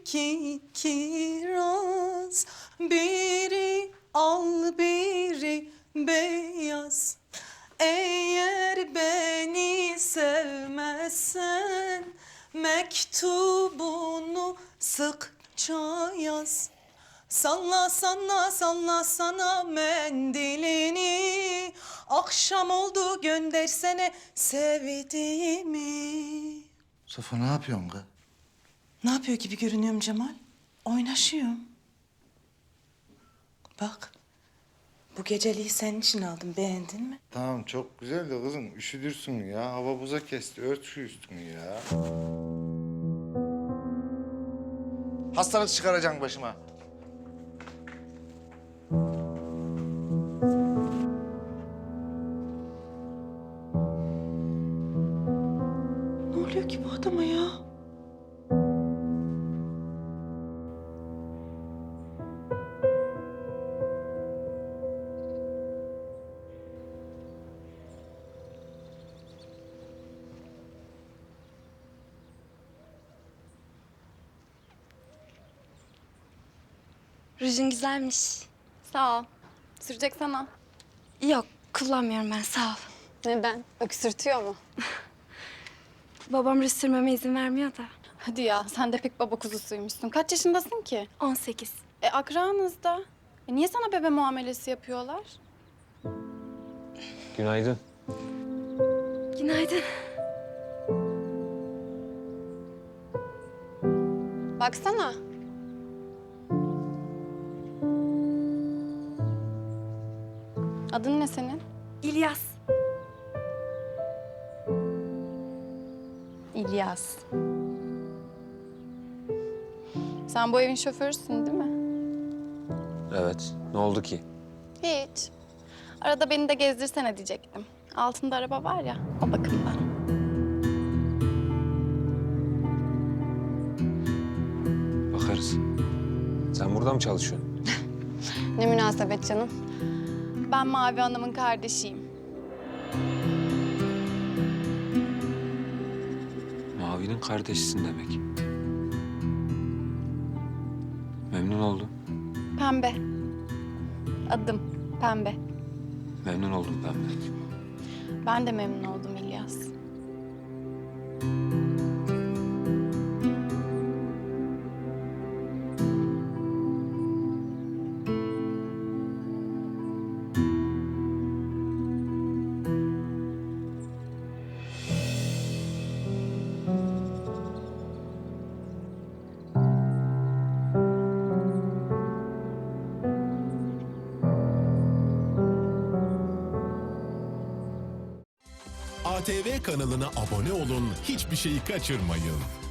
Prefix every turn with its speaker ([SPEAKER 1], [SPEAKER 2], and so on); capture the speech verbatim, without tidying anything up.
[SPEAKER 1] iki kiraz, biri al biri beyaz. Eğer beni sevmezsen mektubunu sıkça yaz. Salla salla salla sana mendilini, akşam oldu göndersene sevdiğimi.
[SPEAKER 2] Safo ne yapıyorsun kız?
[SPEAKER 1] Ne yapıyor gibi görünüyorum Cemal? Oynaşıyorum. Bak, bu geceliği senin için aldım, beğendin mi?
[SPEAKER 2] Tamam çok güzel de kızım üşüdürsün ya. Hava buza kesti. Ört şu üstünü ya. Hastalık çıkaracaksın başıma.
[SPEAKER 1] Ne oluyor ki bu adama ya?
[SPEAKER 3] Rujun güzelmiş.
[SPEAKER 4] Sağ ol. Sürecek sana.
[SPEAKER 3] Yok, kullanmıyorum ben, sağ ol.
[SPEAKER 4] Neden? Öksürtüyor mu?
[SPEAKER 3] Babam ruj sürmeme izin vermiyor da.
[SPEAKER 4] Hadi ya, sen de pek baba kuzusuymuşsun. Kaç yaşındasın ki?
[SPEAKER 3] on sekiz.
[SPEAKER 4] E akranızda. E, niye sana bebe muamelesi yapıyorlar?
[SPEAKER 5] Günaydın.
[SPEAKER 3] Günaydın.
[SPEAKER 4] Baksana. Adın ne senin?
[SPEAKER 3] İlyas.
[SPEAKER 4] İlyas. Sen bu evin şoförüsün değil mi?
[SPEAKER 5] Evet. Ne oldu ki?
[SPEAKER 4] Hiç. Arada beni de gezdirsene diyecektim. Altında araba var ya, o bakımdan.
[SPEAKER 5] Bakarız. Sen burada mı çalışıyorsun?
[SPEAKER 4] Ne münasebet canım. Ben Mavi Hanım'ın kardeşiyim.
[SPEAKER 5] Mavi'nin kardeşisin demek. Memnun oldum.
[SPEAKER 4] Pembe. Adım Pembe.
[SPEAKER 5] Memnun oldum Pembe.
[SPEAKER 4] Ben de memnun oldum İlyas.
[SPEAKER 6] A T V kanalına abone olun, hiçbir şeyi kaçırmayın.